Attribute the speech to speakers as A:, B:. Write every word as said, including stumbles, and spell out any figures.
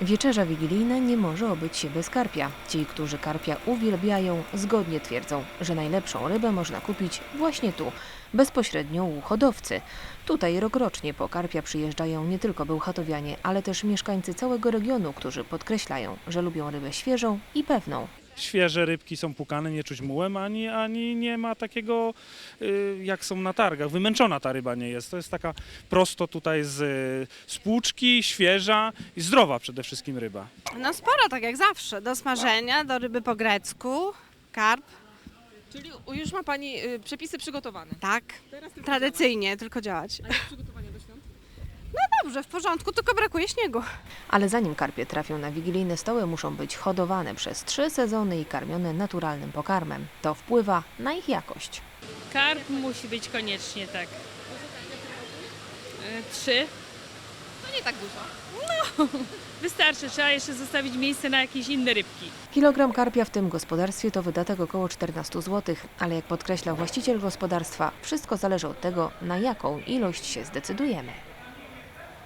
A: Wieczerza wigilijna nie może obyć się bez karpia. Ci, którzy karpia uwielbiają, zgodnie twierdzą, że najlepszą rybę można kupić właśnie tu, bezpośrednio u hodowcy. Tutaj rokrocznie po karpia przyjeżdżają nie tylko bełchatowianie, ale też mieszkańcy całego regionu, którzy podkreślają, że lubią rybę świeżą i pewną.
B: Świeże rybki są pukane, nie czuć mułem, ani, ani nie ma takiego, y, jak są na targach. Wymęczona ta ryba nie jest. To jest taka prosto tutaj z, z płuczki, świeża i zdrowa przede wszystkim ryba.
C: No sporo, tak jak zawsze. Do smażenia, do ryby po grecku, karp,
D: Czyli już ma Pani y, przepisy przygotowane.
C: tak.
D: Teraz tylko
C: Tradycyjnie, tylko działać.
D: działać. A jak przygotowania do świąt?
C: Dobrze, w porządku, tylko brakuje śniegu.
A: Ale zanim karpie trafią na wigilijne stoły, muszą być hodowane przez trzy sezony i karmione naturalnym pokarmem. To wpływa na ich jakość.
E: Karp musi być koniecznie, tak. E, Trzy.
D: No nie tak dużo.
E: Wystarczy, trzeba jeszcze zostawić miejsce na jakieś inne rybki.
A: Kilogram karpia w tym gospodarstwie to wydatek około czternaście złotych, ale jak podkreśla właściciel gospodarstwa, wszystko zależy od tego, na jaką ilość się zdecydujemy.